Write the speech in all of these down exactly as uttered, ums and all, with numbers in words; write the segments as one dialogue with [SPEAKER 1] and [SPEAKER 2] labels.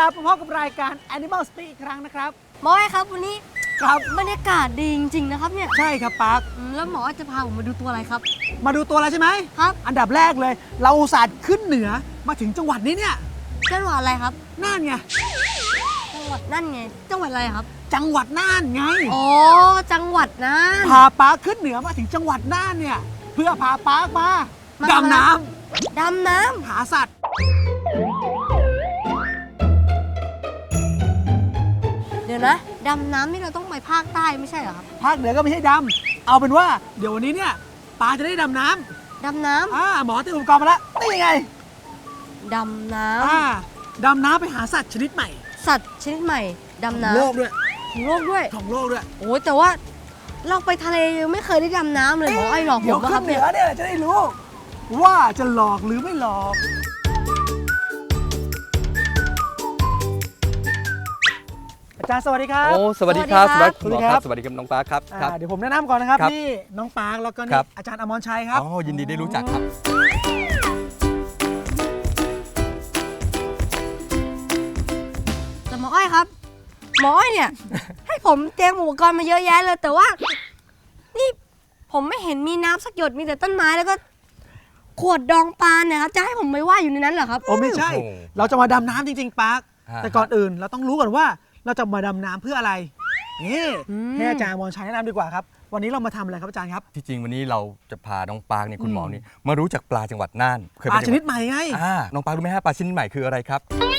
[SPEAKER 1] ลับมาพบกับรายการ Animal Speak อีกครั้งนะครับ
[SPEAKER 2] หมอไอ้ครับวันนี้
[SPEAKER 1] ครับ
[SPEAKER 2] บรรยากาศดีจริงๆนะครับเนี่ย
[SPEAKER 1] ใช่ครับปาร์ค
[SPEAKER 2] แล้วหมอจะพาผมมาดูตัวอะไรครับ
[SPEAKER 1] มาดูตัวอะไรใช่ไหม
[SPEAKER 2] ครับ
[SPEAKER 1] อันดับแรกเลยเราอุตส่าห์ขึ้นเหนือมาถึงจังหวัดนี้เนี่ย
[SPEAKER 2] จังหวัดอะไรครับ
[SPEAKER 1] น่านไง
[SPEAKER 2] จังหวัดนั่นไงจังหวัดอะไรครับ
[SPEAKER 1] จังหวัดน่านไง
[SPEAKER 2] อ๋อจังหวัดน่าน
[SPEAKER 1] พาปาร์คขึ้นเหนือมาถึงจังหวัดน่านเนี่ยเพื่อพาปาร์คมาดำน้
[SPEAKER 2] ำดำน้
[SPEAKER 1] ำหาสัตว์
[SPEAKER 2] เดี๋ยวนะดำน้ำนี่เราต้องไปภาคใต้ไม่ใช่เหรอครับ
[SPEAKER 1] ภาคเหนือก็ไม่ใช่ดำเอาเป็นว่าเดี๋ยววันนี้เนี่ยปาจะได้ดำน้
[SPEAKER 2] ำดำน้
[SPEAKER 1] ำอ่าหมอเตรียมอุปกรณ์มาแล้วนี่ไง
[SPEAKER 2] ดำน้
[SPEAKER 1] ำอ่าดำน้ำไปหาสัตว์ชนิดใหม่
[SPEAKER 2] สัตว์ชนิดใหม่ดำน้ำ
[SPEAKER 1] โลกด้วย
[SPEAKER 2] ของโลกด้วย
[SPEAKER 1] ของโลกด้วย
[SPEAKER 2] โอ้แต่ว่าเราไปทะเลยังไม่เคยได้ดำน้ำเลยหมอไอ้หลอกผม
[SPEAKER 1] ครับเดี๋ยวขึ้นเหนือเนี่ยจะได้รู้ว่าจะหลอกหรือไม่หลอกอาจารย์สวัสดีครับ
[SPEAKER 3] โอ้สวัสดีครับสวัสดีครับสวัสดีครับน้องปาร์คครับ
[SPEAKER 1] เดี๋ยวผมแนะนำก่อนนะครับนี่น้องปาร์คแล้วก็นี่อาจารย์อมรชัยครับ
[SPEAKER 3] อ๋อยินดีได้รู้จักครับ
[SPEAKER 2] แต่หมออ้อยครับหมออ้อยเนี่ย ให้ผมเตรียมอุปกรณ์มาเยอะแยะเลยแต่ว่านี่ผมไม่เห็นมีน้ำสักหยดมีแต่ต้นไม้แล้วก็ขวดดองปลาเนี่ยครับจะให้ผมไปว่ายอยู่ในนั้นเหรอครับ
[SPEAKER 1] โอ้ไม่ใช่เราจะมาดำน้ำจริงๆปาร์คแต่ก่อนอื่นเราต้องรู้ก่อนว่าเราจะมาดำน้ำเพื่ออะไรนี่ให้อาจารย์อมรชัยแนะนำดีกว่าครับวันนี้เรามาทำอะไรครับอาจารย์ครับ
[SPEAKER 3] ที่จริงวันนี้เราจะพาน้องปาร์คเนี่ยคุณหมอนี่มารู้จักปลาจังหวัดน่าน
[SPEAKER 1] ปลาชนิดใหม่ไง
[SPEAKER 3] อ่าน้องปาร์ครู้ไหมฮะปลาชนิดใหม่คืออะไรครับ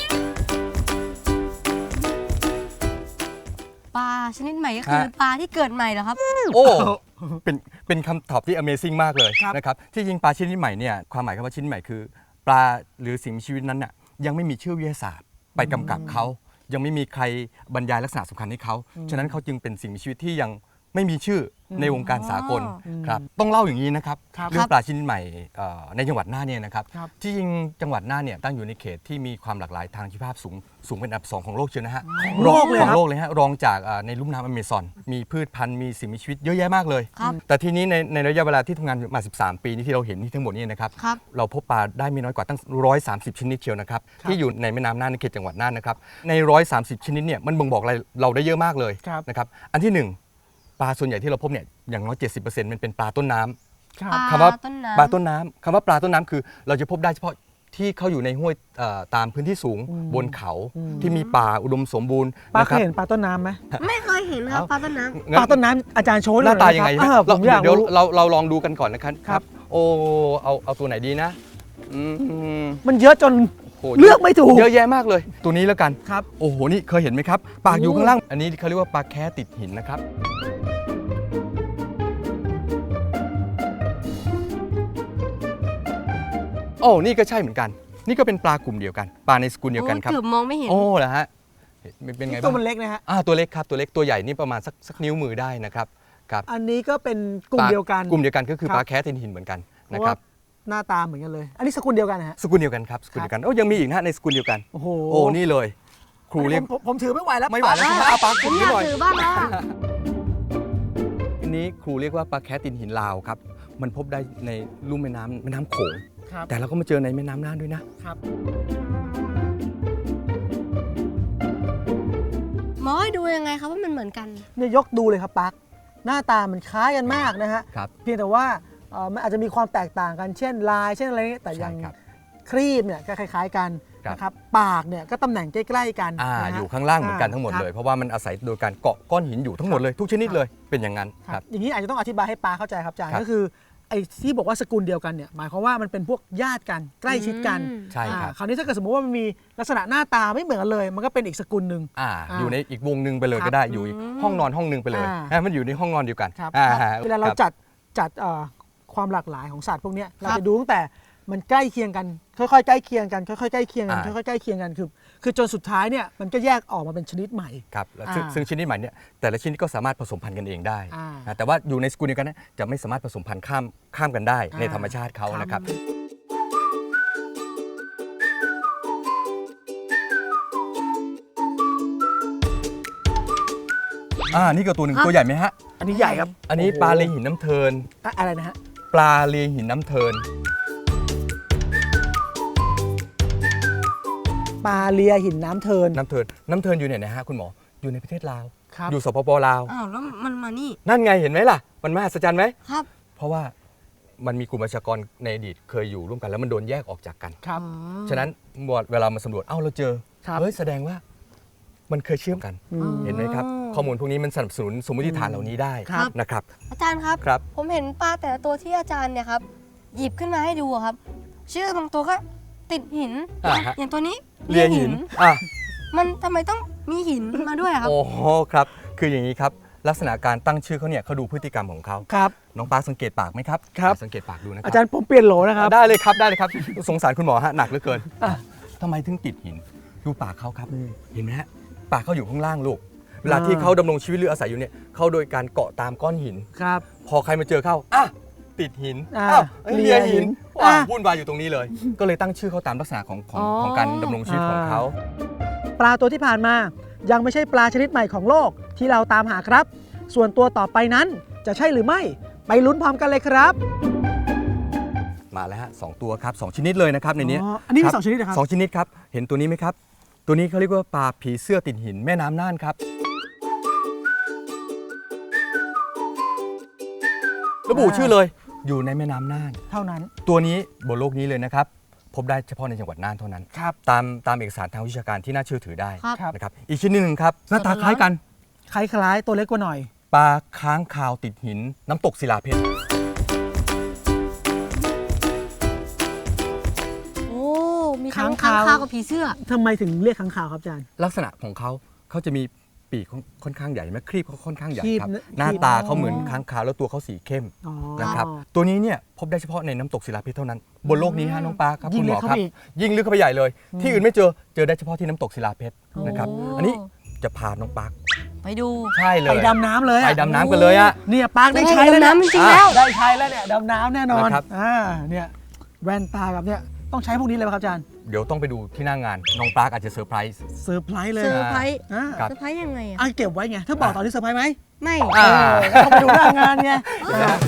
[SPEAKER 2] ปลาชนิดใหม่ก็คือปลาที่เกิดใหม่เหรอครับ
[SPEAKER 3] โอ้เป็นเป็นคำตอบที่ Amazing มากเลยนะครับที่จริงปลาชนิดใหม่เนี่ยความหมายคำว่าชนิดใหม่คือปลาหรือสิ่งมีชีวิตนั้นน่ะยังไม่มีชื่อวิทยาศาสตร์ไปกำกับเขายังไม่มีใครบรรยายลักษณะสำคัญให้เขาฉะนั้นเขาจึงเป็นสิ่งมีชีวิตที่ยังไม่มีชื่อในวงการสากลครับต้องเล่าอย่างนี้นะครับเรื่องปลาชนิดใหม่ในจังหวัดน่านเนี่ยนะครับที่จริงจังหวัดน่านเนี่ยตั้งอยู่ในเขตที่มีความหลากหลายทางชีวภาพสูงสูงเป็นอันดับสองของโลกเชียวนะฮะ
[SPEAKER 1] โลกเลย
[SPEAKER 3] ของโลกเลยฮะรองจากในลุ่มน้ำอเมซอนมีพืชพันธุ์มีสิ่งมีชีวิตเยอะแยะมากเลยแต่ทีนี้ในในระยะเวลาที่ทำงานมาสิบสามปีนี้ที่เราเห็นนี่ทั้งหมดนี่นะครับเราพบปลาได้ไม่น้อยกว่าตั้งหนึ่งร้อยสามสิบชนิดเชียวนะครับที่อยู่ในแม่น้ำน่านในเขตจังหวัดน่านนะครับในหนึ่งร้อยสามสิบชนิดเนี่ยมันบ่งบอกอะไรเราได้เยอะมากเลยนะครับอันที่หนึ่งปลาส่วนใหญ่ที่เราพบเนี่ยอย่างน้อย เจ็ดสิบเปอร์เซ็นต์ มันเป็นปลาต้นน้ำคำว่าปลาต้นน้ำคำว่าปลาต้นน้ำคือเราจะพบได้เฉพาะที่เขาอยู่ในห้วยตามพื้นที่สูงบนเขาที่มีป่าอุดมสมบูรณ์
[SPEAKER 1] ปลาเคยเห็นปลาต้นน้ำไหม
[SPEAKER 2] ไม่เคยเห็นครับปลาต้นน้
[SPEAKER 1] ำปลาต้นน้ำอาจารย์โชว์
[SPEAKER 3] หน้าตายังไง
[SPEAKER 1] ผมอยาก
[SPEAKER 3] เดี๋ยวเราเราลองดูกันก่อนนะครับครับโอ้เอาเอาตัวไหนดีนะ
[SPEAKER 1] มันเยอะจนเลือกไม่ถูก
[SPEAKER 3] เยอะแยะมากเลยตัวนี้แล้วกัน
[SPEAKER 1] ครับ
[SPEAKER 3] โอ้โหนี่เคยเห็นไหมครับปากอยู่ข้างล่างอันนี้เขาเรียกว่าปลาแค่ติดหินนะครับโอ้นี่ก็ใช่เหมือนกันนี่ก็เป็นปลากลุ่มเดียวกันปลาในสกุลเดียวกันครับ
[SPEAKER 2] เกือบมองไม่เห็น
[SPEAKER 3] โอ้เหรอฮะเป็นไงบ้าง
[SPEAKER 1] ตัวมันเล็กนะฮะ
[SPEAKER 3] อ่าตัวเล็กครับตัวเล็กตัวใหญ่นี่ประมาณสักสักนิ้วมือได้นะครับครับ
[SPEAKER 1] อันนี้ก็เป็นกลุ่มเดียวกัน
[SPEAKER 3] กลุ่มเดียวกันก็คือปลาแค่ติดหินเหมือนกันนะครับ
[SPEAKER 1] หน้าตาเหมือนกันเลยอันนี้สกุลเดียวกันนะฮะ
[SPEAKER 3] สกุลเดียวกันครับสกุลเดียวกันโอ้ยังมีอีกนะในสกุลเดียวกัน
[SPEAKER 1] โอ้โห
[SPEAKER 3] โอ้นี่เลยครูเรียก
[SPEAKER 1] ผมถือไม่ไหวแล้ว
[SPEAKER 3] ไม่ไหวแล้วคุณมาปลาผม
[SPEAKER 2] อยากถือบ้างนะ
[SPEAKER 3] อันนี้ครูเรียกว่าปลาแค่ติดหินลาวครับมันพบได้ในลุ่มแม่น้ำแม่น้ำโขงแต่เราก็มาเจอในแม่น้ำน่านด้วยนะครับ
[SPEAKER 2] หมอดูยังไงครับว่ามันเหมือนกัน
[SPEAKER 1] เนี่ยยกดูเลยครับปาร์คหน้าตามันคล้ายกันมากนะฮะเพียงแต่ว่ามันอาจจะมีความแตกต่างกันเช่นลายเช่นอะไรแต่ยังครีบเนี่ยก็คล้ายๆกันนะครับปากเนี่ยก็ตำแหน่งใกล้ๆกัน
[SPEAKER 3] อ่าอยู่ข้างล่างเหมือนกันทั้งหมดเลยเพราะว่ามันอาศัยโดยการเกาะก้อนหินอยู่ทั้งหมดเลยทุกชนิดเลยเป็นอย่างนั้นครับ
[SPEAKER 1] อย่างนี้อาจจะต้องอธิบายให้ปาเข้าใจครับอาจารย์ก็คือไอ้ที่บอกว่าสกุลเดียวกันเนี่ยหมายความว่ามันเป็นพวกญาติกันใกล้ชิดกัน
[SPEAKER 3] ใช่ครับ
[SPEAKER 1] คราวนี้ถ้าเกิดสมมติว่ามันมีลักษณะหน้าตาไม่เหมือนกันเลยมันก็เป็นอีกสกุลหนึ่ง
[SPEAKER 3] อ่าอยู่ในอีกวงหนึ่งไปเลยก็ได้อยู่ห้องนอนห้องนึงไปเลยมันอยู่ในห้องนอนเดียวกัน
[SPEAKER 1] เวลาเราจัดจัดความหลากหลายของสัตว์พวกนี้เราจะดูตั้งแต่มันใกล้เคียงกันค่อยๆใกล้เคียงกันค่อยๆใกล้เคียงกันค่อยๆใกล้เคียงกันคือคือจนสุดท้ายเนี่ยมันก็แยกออกมาเป็นชนิดใหม่
[SPEAKER 3] ครับซึ่งชนิดใหม่เนี่ยแต่ละชนิดก็สามารถผสมพันธุ์กันเองได้แต่ว่าอยู่ในสกุลเดียวกันนะจะไม่สามารถผสมพันธุ์ข้ามข้ามกันได้ในธรรมชาติเขานะครับอ่านี่ก็ตัวหนึ่งตัวใหญ่ไหมฮะ
[SPEAKER 1] อันนี้ใหญ่ครับ
[SPEAKER 3] อันนี้ปลาเลหินน้ำเทิน
[SPEAKER 1] อะไรนะฮะ
[SPEAKER 3] ปลาเลหินน้ำเทิน
[SPEAKER 1] ปลาเลียหินน้ำเทิน
[SPEAKER 3] น้ำเทินน้ำเทินอยู่ไหนนะฮะคุณหมออยู่ในประเทศลาว
[SPEAKER 1] ครับ
[SPEAKER 3] อยู่สปปลาว
[SPEAKER 2] อ้าวแล้วมันมานี่
[SPEAKER 3] นั่นไงเห็นไหมล่ะมันมหัศจรรย์ไหม
[SPEAKER 2] ครับ
[SPEAKER 3] เพราะว่ามันมีกลุ่มประชากรในอดีตเคยอยู่ร่วมกันแล้วมันโดนแยกออกจากกัน
[SPEAKER 1] ครับ
[SPEAKER 3] ฉะนั้นเวลามาสำรวจเอ้าเราเจอ
[SPEAKER 1] ครับ
[SPEAKER 3] เฮ้ยแสดงว่ามันเคยเชื่อมกัน
[SPEAKER 1] อืม
[SPEAKER 3] เห็นไหมครับข้อมูลพวกนี้มันสนับสนุนสมมติฐานเหล่านี้ได้
[SPEAKER 1] ครับ
[SPEAKER 3] นะครับ
[SPEAKER 2] อาจารย์ครับ
[SPEAKER 3] ครับ
[SPEAKER 2] ผมเห็นปลาแต่ละตัวที่อาจารย์เนี่ยครับหยิบขึ้นมาให้ดูอะครับ ชื่อบางตัวก็ติดหิน
[SPEAKER 3] อ่าฮะ
[SPEAKER 2] อย่างตัวนี้
[SPEAKER 3] เลียหินอ่ะ
[SPEAKER 2] มันทำไมต้องมีหินมาด้วยอะครับ
[SPEAKER 3] โอ้โหครับคืออย่างนี้ครับลักษณะการตั้งชื่อเขาเนี่ยเขาดูพฤติกรรมของเขา
[SPEAKER 1] ครับ
[SPEAKER 3] น้องปาร์คสังเกตปากไหมครับ
[SPEAKER 1] ครับ
[SPEAKER 3] สังเกตปากดูนะครั
[SPEAKER 1] อาจารย์ผมเปลี่ยนโหลนะครับ
[SPEAKER 3] ได้เลยครับได้เลยครับสงสารคุณหมอฮะหนักเหลือเกิน
[SPEAKER 1] อ่ะ
[SPEAKER 3] ทำไมถึงติดหินดูปากเขาครับ
[SPEAKER 1] อืม
[SPEAKER 3] เห็นไหมฮะปากเขาอยู่ข้างล่างลูกเวลาที่เขาดำรงชีวิตหรืออาศัยอยู่เนี่ยเขาโดยการเกาะตามก้อนหิน
[SPEAKER 1] ครับ
[SPEAKER 3] พอใครมาเจอเข้าอ่ะติดหิน
[SPEAKER 1] อ่า
[SPEAKER 3] อ้าวเอ้ย
[SPEAKER 1] เลี
[SPEAKER 3] เลี
[SPEAKER 1] ย
[SPEAKER 3] ย
[SPEAKER 1] หิ
[SPEAKER 3] หิ
[SPEAKER 1] น
[SPEAKER 3] น
[SPEAKER 1] อ่ะ
[SPEAKER 3] ว้าววุ่นวายอยู่ตรงนี้เลย ก็เลยตั้งชื่อเขาตามลักษณะของของ
[SPEAKER 2] อ๋อ
[SPEAKER 3] ของการดำรงชีวิตของเขา
[SPEAKER 1] ปลาตัวที่ผ่านมายังไม่ใช่ปลาชนิดใหม่ของโลกที่เราตามหาครับ ส่วนตัวต่อไปนั้นจะใช่หรือไม่ไปลุ้นพร้อมกันเลยครับ
[SPEAKER 3] มาแล้วฮะสองตัวครับสองชนิดเลยนะครับในนี้
[SPEAKER 1] อ๋ออันนี้มี
[SPEAKER 3] ครับ
[SPEAKER 1] สองชนิดเหรอครับ
[SPEAKER 3] สองชนิดครับเห็นตัวนี้ไหมครับ ตัวนี้เขาเรียกว่าปลาผีเสื้อติดหินแม่น้ำน่านครับระบุชื่อเลยอยู่ในแม่น้ำน่าน
[SPEAKER 1] เท่านั้น
[SPEAKER 3] ตัวนี้บนโลกนี้เลยนะครับพบได้เฉพาะในจังหวัดน่านเท่านั้น
[SPEAKER 1] ครับ
[SPEAKER 3] ตามตามเอกสารทางวิชาการที่น่าเชื่อถือได้
[SPEAKER 2] ครับ
[SPEAKER 3] นะครับอีกชนิดหนึ่งครับหน้าตาคล้ายกัน
[SPEAKER 1] คล้ายๆตัวเล็กกว่าหน่อย
[SPEAKER 3] ปลาค้างคาวติดหิน น้ำตกศิลาเพชร
[SPEAKER 2] โอ้มีทั้ง
[SPEAKER 1] ค้างคาว
[SPEAKER 2] ค้างคาวกับผีเสื้อ
[SPEAKER 1] ทำไมถึงเรียกค้างคาวครับอาจารย์
[SPEAKER 3] ลักษณะของเขาเขาจะมีปีกค่อนข้างใหญ่ไหมครีบเขาค่อนข้างใหญ่
[SPEAKER 1] ครีบ
[SPEAKER 3] ครับ
[SPEAKER 1] นะ
[SPEAKER 3] หน้าตา
[SPEAKER 1] ครีบ
[SPEAKER 3] เขาเหมือนค้างคาวแล้วตัวเขาสีเข้ม
[SPEAKER 1] อ๋อ
[SPEAKER 3] นะครับตัวนี้เนี่ยพบได้เฉพาะในน้ำตกศิลาเพชรเท่านั้น บนโลกนี้ฮะน้องปลาครับ
[SPEAKER 1] ยิ่
[SPEAKER 3] คุ
[SPEAKER 1] ง
[SPEAKER 3] ณหมอ
[SPEAKER 1] ลึก
[SPEAKER 3] ค
[SPEAKER 1] เข้า
[SPEAKER 3] รับ
[SPEAKER 1] ไปอีก
[SPEAKER 3] ยิ่งลึกเข้าไปใหญ่เลย ที่อื่นไม่เจอเจอได้เฉพาะที่น้ำตกศิลาเพชรนะครับ
[SPEAKER 2] โอ้
[SPEAKER 3] อันนี้จะพาน้องปลา
[SPEAKER 2] ไปดู
[SPEAKER 3] ใช่เลย
[SPEAKER 1] ไปดำน้ำเลย
[SPEAKER 3] ไป
[SPEAKER 1] อะ
[SPEAKER 3] ดำน้ำกันเลยอะ
[SPEAKER 1] เนี่ยปาร์คได้ใช้แล้ว
[SPEAKER 2] ดำน้ำจริงๆแล้ว
[SPEAKER 1] ได้ใช้แล้วเนี่ยดำน้ำแน่นอน
[SPEAKER 3] นะครับ
[SPEAKER 1] อ่าเนี่ยแว่นตากับเนี่ยต้องใช้พวกนี้เลยไหมครับอาจารย์
[SPEAKER 3] เดี๋ยวต้องไปดูที่หน้างานน้องปลาอาจจะเซอร์ไพรส์
[SPEAKER 1] เซอร์ไพรส์เลย
[SPEAKER 2] เซอร์ไพรส์
[SPEAKER 1] อ่า
[SPEAKER 3] ครับ
[SPEAKER 2] เซอร์ไพรส์ยังไงอะ
[SPEAKER 1] อ่ะเก็บไว้ไงถ้าบอกตอนนี้เซอร์ไพรส์ไหม
[SPEAKER 2] ไม่
[SPEAKER 3] อ่า
[SPEAKER 1] ต้องไปดูหน้างานไงอ่า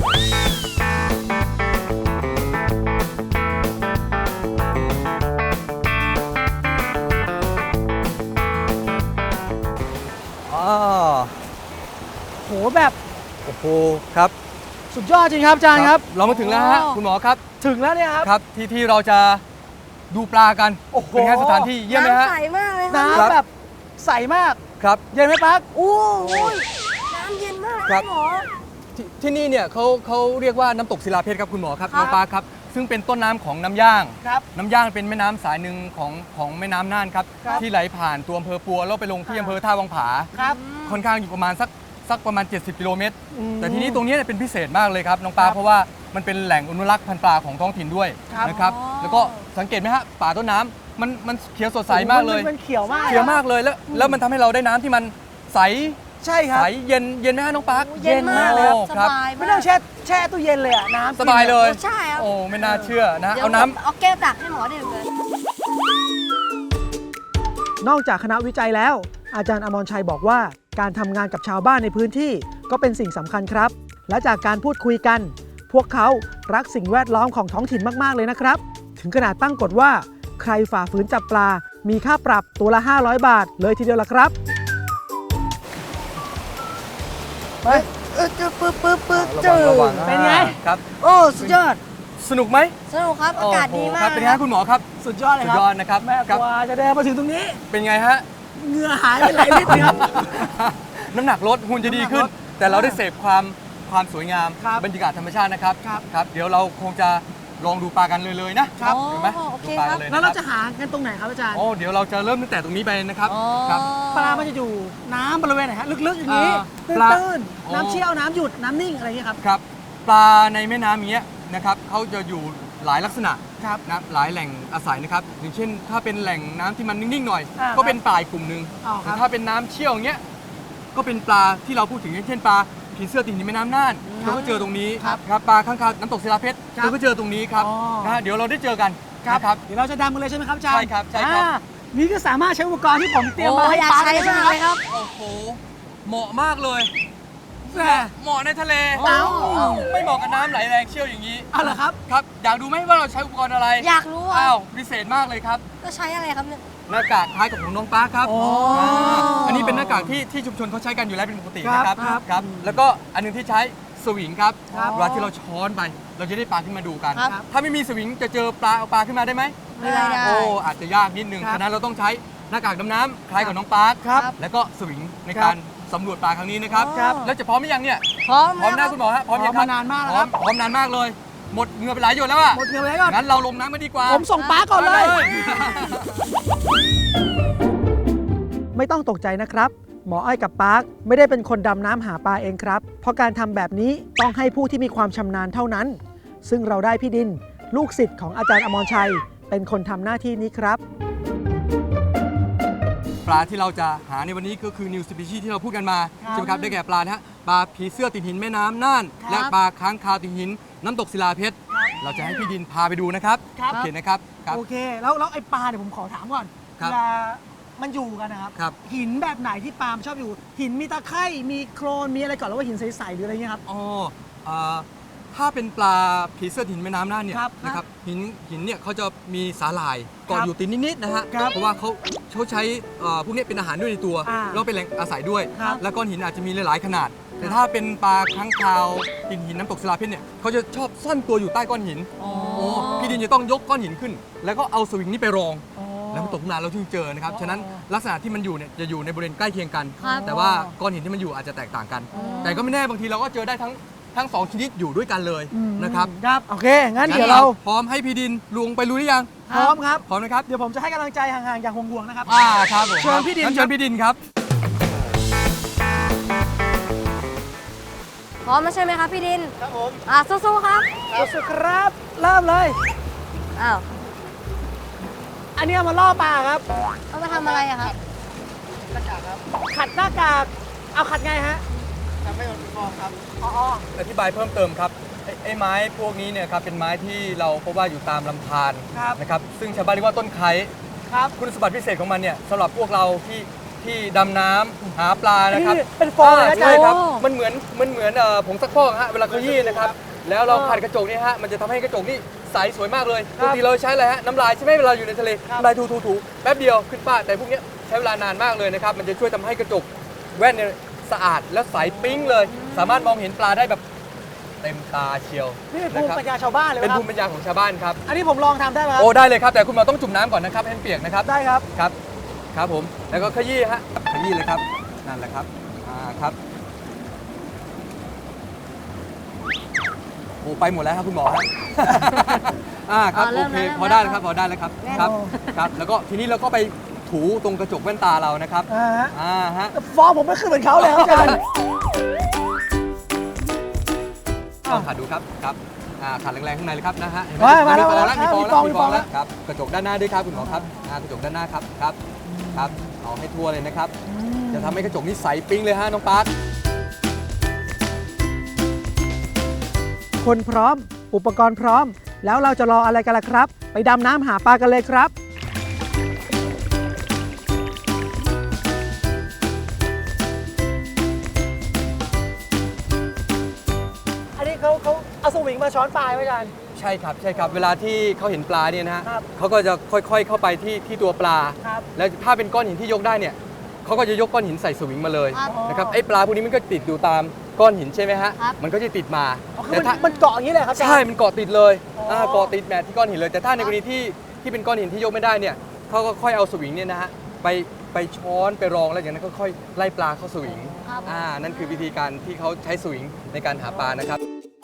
[SPEAKER 3] อ๋อ
[SPEAKER 1] โหแบบ
[SPEAKER 3] โอ้โหครับ
[SPEAKER 1] สุดยอดจริงครับอาจารย์ครับ
[SPEAKER 3] เรามาถึงแล้วฮะคุณหมอครับ
[SPEAKER 1] ถึงแล้วเนี่ยครับ
[SPEAKER 3] ครับที่ที่เราจะดูปลากัน
[SPEAKER 1] โอ้โห
[SPEAKER 3] เป็นไงสถานที่เยี่ยมไหมฮะ
[SPEAKER 2] น้ำใสมากเลยครับ
[SPEAKER 1] น้ำ
[SPEAKER 3] ครับ
[SPEAKER 1] แบบใสมาก
[SPEAKER 3] ครับ
[SPEAKER 1] เย็นไหมปาร์ค
[SPEAKER 2] โอ้ยน้ำเย็นมาก
[SPEAKER 3] ครับ
[SPEAKER 2] หมอ
[SPEAKER 3] ที่ที่นี่เนี่ยเขาเขาเรียกว่าน้ำตกศิลาเพชรครับคุณหมอครับ
[SPEAKER 2] ครับ
[SPEAKER 3] น้องปลาครับซึ่งเป็นต้นน้ำของน้ำย่าง
[SPEAKER 1] ครับ
[SPEAKER 3] น้ำย่างเป็นแม่น้ำสายหนึ่งของของแม่น้ำน่านครับ
[SPEAKER 1] ครับ
[SPEAKER 3] ที่ไหลผ่านตัวอำเภอปัวแล้วไปลงที่อำเภอท่าวังผา
[SPEAKER 1] ครับ
[SPEAKER 3] ค่อนข้างอยู่ประมาณสักสักประมาณ เจ็ดสิบ กิโลเมตร
[SPEAKER 1] อืม
[SPEAKER 3] แต่ทีนี้ตรงนี้เนี่ยเป็นพิเศษมากเลยครับน้องปลา
[SPEAKER 1] ครับ
[SPEAKER 3] เพราะว่ามันเป็นแหล่งอนุรักษ์พันธุ์ปลาของท้องถิ่นด้วย
[SPEAKER 1] ครับ
[SPEAKER 3] นะครับ
[SPEAKER 2] อ๋อ
[SPEAKER 3] แล้วก็สังเกตไหมฮะป่าต้นน้ำมันมันเขียวสดใสมากเลย
[SPEAKER 1] นมันเขียวมาก
[SPEAKER 3] เขียวมากเลยแล้วแล้วมันทำให้เราได้น้ำที่มันใส
[SPEAKER 1] ใช่ครับ
[SPEAKER 3] ใสเย็นเย็นไหมฮะน้องปาร์ค
[SPEAKER 2] เย็นมากเลยครับ
[SPEAKER 3] โอ้
[SPEAKER 2] ส
[SPEAKER 3] ครับ
[SPEAKER 2] บาย
[SPEAKER 1] ไม่
[SPEAKER 2] มาก
[SPEAKER 1] ต้องแช่แช่ตู้เย็นเลยอะน้ำ
[SPEAKER 3] สบายเลย
[SPEAKER 2] ใช่ครับ
[SPEAKER 3] โอ้ไม่น่าเชื่อนะ
[SPEAKER 2] ดี๋ยว
[SPEAKER 3] เอาน้ำ
[SPEAKER 2] ผมเอาแก้วตักให้หมอดื่มเลย
[SPEAKER 1] นอกจากคณะวิจัยแล้ว อาจารย์อมรชัยบอกว่าการทำงานกับชาวบ้านในพื้นที่ก็เป็นสิ่งสำคัญครับ และจากการพูดคุยกัน พวกเขารักสิ่งแวดล้อมของท้องถิ่นมากๆเลยนะครับ ถึงขนาดตั้งกฎว่า ใครฝ่าฝืนจับปลา มีค่าปรับตัวละ ห้าร้อย บาท เลยทีเดียวละครับไป
[SPEAKER 2] เออจะปึ๊บปึ๊บปึ๊บ
[SPEAKER 3] ระ
[SPEAKER 2] เจ
[SPEAKER 3] วัง
[SPEAKER 2] อ
[SPEAKER 3] ระวัง
[SPEAKER 1] เป็นไง
[SPEAKER 3] ครับ
[SPEAKER 2] โอ้สุดยอด
[SPEAKER 3] สนุกไหม
[SPEAKER 2] สนุกครับ อากาศดีมา
[SPEAKER 3] ครั
[SPEAKER 2] ก
[SPEAKER 3] บเป็นไงฮะคุณหมอครับ
[SPEAKER 1] สุดยอดเลย
[SPEAKER 3] สุ
[SPEAKER 1] ค
[SPEAKER 3] ด
[SPEAKER 1] รับ
[SPEAKER 3] ยอดนะครับ
[SPEAKER 1] แม่
[SPEAKER 3] ค
[SPEAKER 1] ก
[SPEAKER 3] รับ
[SPEAKER 1] ว่าจะเดินมาถึงตรงนี้
[SPEAKER 3] เป็นไงฮะ
[SPEAKER 1] เหงื่อหายไปหลายลิตรเลยครับ
[SPEAKER 3] น้ำหนักลดหุ่นจะดีขึ้น
[SPEAKER 1] น้ำหนักลด
[SPEAKER 3] แต่เราได้เสพความความสวยงาม
[SPEAKER 1] ครับ
[SPEAKER 3] บรรยากาศธรรมชาตินะครับ
[SPEAKER 1] ครับ
[SPEAKER 3] ครับเดี๋ยวเราคงจะลองดูปลากันเลยเลยนะครับ
[SPEAKER 2] อ๋อ
[SPEAKER 3] เห็นไหม
[SPEAKER 2] โอเค
[SPEAKER 3] ดูปลา
[SPEAKER 2] ครั
[SPEAKER 3] กับ นเลย
[SPEAKER 1] แล้ว
[SPEAKER 3] นะ
[SPEAKER 1] เรา
[SPEAKER 3] ค
[SPEAKER 1] จะ
[SPEAKER 3] รับ
[SPEAKER 1] หากันตรงไหนครับอาจารย์
[SPEAKER 3] โอ้เดี๋ยวเราจะเริ่มตั้งแต่ตรงนี้ไปนะครับ
[SPEAKER 2] อ๋อ
[SPEAKER 3] ครับ
[SPEAKER 1] ปลามันจะอยู่น้ำบริเวณไหนฮะลึกๆอย่างนี้
[SPEAKER 3] เอ่อปลา
[SPEAKER 1] ตื้น
[SPEAKER 3] โอ้
[SPEAKER 1] ๆน้ำเชี่ยวน้ำหยุดน้ำนิ่งอะไรอย่างเงี้ยครับ
[SPEAKER 3] ครับปลาในแม่น้ำอย่างเงี้ยนะครับเขาจะอยู่หลายลักษณะ
[SPEAKER 1] ครับ
[SPEAKER 3] นะหลายแหล่งอาศัยนะครับอย่างเช่น ถ้าเป็นแหล่งน้ำที่มันนิ่งๆหน่อย
[SPEAKER 1] อ่า
[SPEAKER 3] ก็เป็นปลาอีกกลุ่มหนึ่ง
[SPEAKER 1] อ๋อครับ
[SPEAKER 3] แต่ถ้าเป็นน้ำเชี่ยวอย่างเงี้ยก็เป็นปลาที่เราพูดถึงอย่างเช่นปลาผีเสื้อติดหินในแม่น้ำน่านเราก็เจอตรงนี้
[SPEAKER 1] ครับ
[SPEAKER 3] ครับปลาข้างคาวน้ำตกศิลาเพชร
[SPEAKER 1] ครับ
[SPEAKER 3] เราก็เจอตรงนี้ครับ
[SPEAKER 1] อ๋อ
[SPEAKER 3] นะฮะเดี๋ยวเราได้เจอกันนะครับ
[SPEAKER 1] เดี๋ยวเราจะดำกันเลยใช่ไหมครับอาจารย์
[SPEAKER 3] ใช่ครับใช่ครับ
[SPEAKER 1] อ่านี่ก็สามารถใช้อุปกรณ์ที่ผมเตรียมมา
[SPEAKER 2] โอ้
[SPEAKER 1] ให้
[SPEAKER 2] อยาก
[SPEAKER 1] ปลา
[SPEAKER 2] ใช้
[SPEAKER 1] ได้ใช่ไหม
[SPEAKER 2] มาก
[SPEAKER 1] ครับ
[SPEAKER 2] เลยครับ
[SPEAKER 3] โอ้โหเหมาะมากเลย
[SPEAKER 1] สแหม่
[SPEAKER 3] เหมาะในทะเล
[SPEAKER 1] เอ้า
[SPEAKER 3] ไม่เหมาะกับน้ำไหลแรงเชี่ยวอย่างนี้
[SPEAKER 1] เอาเหรอครับ
[SPEAKER 3] ครับ อยากดูไหมว่าเราใช้อุปกรณ์อะไร
[SPEAKER 2] อยากรู้อ่ะ
[SPEAKER 3] อ้าวพิเศษมากเลยครับ
[SPEAKER 2] ก็ใช้อะไรครับเนี่ย
[SPEAKER 3] หน้ากากคล้ายกับของน้องปาร์คครับ
[SPEAKER 1] อ๋ออ่
[SPEAKER 3] าอันนี้เป็นหน้ากากที่ที่ชุมชนเขาใช้กันอยู่แล้วเป็นปกติ
[SPEAKER 1] ครับ
[SPEAKER 3] นะครับ
[SPEAKER 1] ครับ
[SPEAKER 3] ครับ แล้วก็อันหนึงที่ใช้สวิงครับ
[SPEAKER 1] ครับ
[SPEAKER 3] เวลาที่เราช้อนไป เราจะได้ปลาขึ้นมาดูกัน
[SPEAKER 2] ครับ
[SPEAKER 3] ถ้าไม่มีสวิงจะเจอปลาเอาปลาขึ้นมาได้ไหม
[SPEAKER 2] ไม่ได้
[SPEAKER 3] โอ้อาจจะยากนิดนึง
[SPEAKER 1] ครับ
[SPEAKER 3] ฉะนั้นเราต้องใช้หน้ากากดำน้ำคล้ายกับน้องปาร์ค
[SPEAKER 1] ครับ
[SPEAKER 3] แล้วก็สวิงใน
[SPEAKER 1] ครั
[SPEAKER 3] กา
[SPEAKER 1] บ
[SPEAKER 3] รสำรวจปลาครั้งนี้นะครับ
[SPEAKER 1] ครับ
[SPEAKER 3] แล้วจะพร้อมหรือยังเนี่ย
[SPEAKER 2] พร้อม
[SPEAKER 3] พร้อม
[SPEAKER 2] แล้
[SPEAKER 3] นะ
[SPEAKER 2] ว
[SPEAKER 3] คุณหมอฮะพร้อมยังค
[SPEAKER 1] พร้
[SPEAKER 3] รั
[SPEAKER 1] อบ มมานานมากแล้ว
[SPEAKER 3] พร้อ
[SPEAKER 1] ครั
[SPEAKER 3] ม
[SPEAKER 1] บ
[SPEAKER 3] พร้อมนานมากเลย หมดเหงื่อไปหลายหยดแล้วอะ
[SPEAKER 1] หมดเงินไปแล้วก่อน
[SPEAKER 3] งั้นเราลงน้ำมาดีกว่า
[SPEAKER 1] ผมส่งป้าก่อนเลย
[SPEAKER 3] มา
[SPEAKER 1] ไม่ต้องตกใจนะครับ หมออ้อยกับปาร์คไม่ได้เป็นคนดำน้ำหาปลาเองครับ เพราะการทำแบบนี้ต้องให้ผู้ที่มีความชำนาญเท่านั้น ซึ่งเราได้พี่ดิน ลูกศิษย์ของอาจารย์อมรชัย เป็นคนทำหน้าที่นี้ครับ
[SPEAKER 3] ปลาที่เราจะหาในวันนี้ก็คือ new species ที่เราพูดกันมา
[SPEAKER 1] ครับ
[SPEAKER 3] ใช่ไหมครับได้แก่ปลานะฮะปลาผีเสื้อติดหินแม่น้ำน่าน
[SPEAKER 2] ครับ
[SPEAKER 3] และปลาค้างคาวติดหินน้ำตกศิลาเพชรเราจะให้พี่ดินพาไปดูนะครับ
[SPEAKER 1] ครับ
[SPEAKER 3] โอเคนะครับครับ
[SPEAKER 1] โอเค แล้วแล้วไอ้ปลาเนี่ยผมขอถามก่อน
[SPEAKER 3] ครับ
[SPEAKER 1] เวลามันอยู่กันนะครับ
[SPEAKER 3] ครับ
[SPEAKER 1] หินแบบไหนที่ปลามันชอบอยู่ หินมีตะไคร่มีโครนมีอะไรก่อนแล้วว่าหินใสๆหรืออะไรเงี้ยครับ
[SPEAKER 3] อ๋ออ่าถ้าเป็นปลาผีเสื้อหินแม่น้ำน่านเนี่ย
[SPEAKER 1] ครับ
[SPEAKER 3] นะครับหินหินเนี่ยเขาจะมีสาหร่ายเกาะ
[SPEAKER 1] ครับ
[SPEAKER 3] อยู่ติดนิดๆนะฮะ
[SPEAKER 1] ครับ
[SPEAKER 3] เพราะว่าเขาเขาใช้เอ่อพวกนี้เป็นอาหารด้วยในตัว
[SPEAKER 1] อ่า
[SPEAKER 3] แล้วเป็นแหล่งอาศัยด้วย
[SPEAKER 1] ครับ
[SPEAKER 3] แล้วก้อนหินอาจจะมีหลายๆขนาด แต่ถ้าเป็นปลาค้างคาวหินหินน้ำตกศิลาเพชรเนี่ยเขาจะชอบซ่อนตัวอยู่ใต้ก้อนหิน
[SPEAKER 2] อ๋อ
[SPEAKER 3] โอ้พี่ดินจะต้องยกก้อนหินขึ้น แล้วก็เอาสวิงนี้ไปรอง
[SPEAKER 1] อ๋อ
[SPEAKER 3] แล้วมันตกลงมาเราถึงเจอนะครับ
[SPEAKER 1] อ๋อ
[SPEAKER 3] ฉะนั้นลักษณะที่มันอยู่เนี่ยจะอยู่ในบริเวณใกล้เคียงกัน
[SPEAKER 2] ครับ
[SPEAKER 3] แต่ว่าก้อนหินที่มันอยู่อาจจะแตกต่างกัน แต่ก็ไม่แน่บางทีเราก็เจอได้ทั้งทั้งสองชนิดอยู่ด้วยกันเลย
[SPEAKER 1] อืม
[SPEAKER 3] นะครับ
[SPEAKER 1] ครับ โอเค งั้นเดี๋ยวเรา
[SPEAKER 3] พร้อมให้พี่ดินลงไปรู้หรือยัง
[SPEAKER 1] พร้อมครับ
[SPEAKER 3] พร้อมนะครับ
[SPEAKER 1] เดี๋ยวผมจะให้กำลังใจห่างๆอย่างห่วงๆนะครับ
[SPEAKER 3] อ่าครับผม
[SPEAKER 1] เชิญพี่ดิน
[SPEAKER 3] งั้
[SPEAKER 1] ค
[SPEAKER 3] เชิ
[SPEAKER 1] รั
[SPEAKER 3] ญ
[SPEAKER 1] บ
[SPEAKER 3] พี่ดินครับ
[SPEAKER 2] พร้อมแล้วใช่ไหมครับพี่ดิน
[SPEAKER 1] ครับผม
[SPEAKER 2] อ่ะสู้ๆครับ
[SPEAKER 1] สุดครับ เริ่มเลย
[SPEAKER 2] อ้าว
[SPEAKER 1] อันนี้เอามาล่อปลาครับ
[SPEAKER 2] เอามาทำอะไรอะครับ
[SPEAKER 1] ขัดหน้ากาก เอาขัดไงฮะทำให้มันฟองครับ อ๋อ
[SPEAKER 3] อธิบายเพิ่มเติมครับไอ้ไอ้ไม้พวกนี้เนี่ยครับเป็นไม้ที่เราพบว่าอยู่ตามลำธาร
[SPEAKER 1] ครับ
[SPEAKER 3] นะครับซึ่งชาวบ้านเรียกว่าต้นไคร้
[SPEAKER 1] ครับ
[SPEAKER 3] คุณสมบัติพิเศษของมันเนี่ยสำหรับพวกเราที่ที่ดำน้ำหาปลานะครับ
[SPEAKER 1] นี่เป็นฟองเลยนะ
[SPEAKER 3] าใช่ครับ
[SPEAKER 2] โอ้
[SPEAKER 3] มันเหมือนมันเหมือนเอ่อผงซักฟอกฮะเวลาขยี้นะครับ แล้วเรา
[SPEAKER 1] เออ
[SPEAKER 3] ขัดกระจกเนี่ยฮะมันจะทำให้กระจกนี่ใสสวยมากเลย
[SPEAKER 1] ค
[SPEAKER 3] ป
[SPEAKER 1] รับ
[SPEAKER 3] กติเราใช้อะไรฮะน้ำลายใช่ไหมเวลาอยู่ในทะเล
[SPEAKER 1] ครับ
[SPEAKER 3] น้ำลายถูถูถูแป๊บเดียวขึ้นป้าแต่พวกเนี้ยใช้เวลานานมากเลยนะครับมันจะช่วยทำให้กระจกแว่นเนี่ยสะอาดและใสปิ๊งเลย สามารถมองเห็นปลาได้แบบเต็มตาเชียว
[SPEAKER 1] นี่เป็นภูมิ
[SPEAKER 3] ะครับ
[SPEAKER 1] ปัญญาชาวบ้านเลย
[SPEAKER 3] เป็น
[SPEAKER 1] ครั
[SPEAKER 3] ภู
[SPEAKER 1] บ
[SPEAKER 3] มิปัญญาของชาวบ้านครับ
[SPEAKER 1] อันนี้ผมลองทำได้ไหมครับ
[SPEAKER 3] โอ้ได้เลยครับ แต่คุณหมอต้องจุ่มน้ำก่อนนะครับให้มันเปียกนะครับ
[SPEAKER 1] ได้ครับ
[SPEAKER 3] ครับครับผมแล้วก็ขยี้ฮะขยี้เลยครับนั่นแหละครับอ่าครับโอ้ไปหมดแล้วครับคุณหมอฮะ อ่าครับ
[SPEAKER 2] อ่าเริ่
[SPEAKER 3] โอ
[SPEAKER 2] ม
[SPEAKER 3] เค
[SPEAKER 2] แล้ว
[SPEAKER 3] พอได้
[SPEAKER 2] เริ่
[SPEAKER 3] แล้ว
[SPEAKER 2] ม
[SPEAKER 3] ครับพอได้แล้วครับ
[SPEAKER 2] แน่
[SPEAKER 3] ครับ
[SPEAKER 1] โอ้
[SPEAKER 3] ครับแล้วก็ทีนี้เราก็ไปถูตรงกระจกแว่นตาเรานะครับ
[SPEAKER 1] อ่าฮะ
[SPEAKER 3] อ่าฮะ
[SPEAKER 1] แต่ฟองผมไม่ขึ้นเหมือนเขาเลยครับอาจารย์
[SPEAKER 3] ลองขัดดูครับครับอ่าขัดแรงๆข้างในเลยครับนะฮะเห็นไห
[SPEAKER 1] มามาแล้ว
[SPEAKER 3] มีฟอง
[SPEAKER 1] มา
[SPEAKER 3] แล้ว
[SPEAKER 1] แล้ว
[SPEAKER 3] มีฟอง
[SPEAKER 1] มีฟอง
[SPEAKER 3] แล้วมีฟอง
[SPEAKER 1] แล้
[SPEAKER 3] แล้ว วครับกระจกด้านหน้าด้วยครับคุณหมอครับอ่ากระจกด้านหน้าครับครับครับเอาให้ทั่วเลยนะครับ จะทำให้กระจกนี่ใสปิ๊งเลยฮะน้องปาร์ค
[SPEAKER 1] คนพร้อม อุปกรณ์พร้อม แล้วเราจะรออะไรกันล่ะครับ ไปดำน้ำหาปลากันเลยครับ อันนี้เขาเขาเอาสวิงมาช้อนปลาไหมอาจารย์
[SPEAKER 3] ใช่ครับใช่ครับเวลาที่เขาเห็นปลาเนี่ยนะฮะ
[SPEAKER 1] ครับ
[SPEAKER 3] เขาก็จะค่อยๆเข้าไปที่ที่ตัวปลา
[SPEAKER 1] ครับ
[SPEAKER 3] แล้วถ้าเป็นก้อนหินที่ยกได้เนี่ยเขาก็จะยกก้อนหินใส่สวิงมาเลย
[SPEAKER 2] ครับ
[SPEAKER 3] นะครับไอ้ปลาพวกนี้มันก็ติดอยู่ตามก้อนหินใช่ไหมฮะ
[SPEAKER 2] ครับ
[SPEAKER 3] มันก็จะติดมา
[SPEAKER 1] อ๋อคือ
[SPEAKER 3] แต่
[SPEAKER 1] มัน
[SPEAKER 3] ถ้า
[SPEAKER 1] มันเกาะอย่างนี้เลยครับอาจารย์
[SPEAKER 3] ใช่มันเกาะติดเลย
[SPEAKER 1] อ๋ออ่
[SPEAKER 3] าเกาะติดแมทที่ก้อนหินเลย แต่ถ้าในกรณีที่ที่เป็นก้อนหินที่ยกไม่ได้เนี่ยเขาก็ค่อยเอาสวิงเนี่ยนะฮะไปไปช้อนไปรองแล้วอย่างนั้นก็ค่อยไล่ปลาเข้าสวิง
[SPEAKER 2] ครับ
[SPEAKER 3] อ่านั่นคือวิธีการที่เขาใช้สวิงในการหาปลานะครับ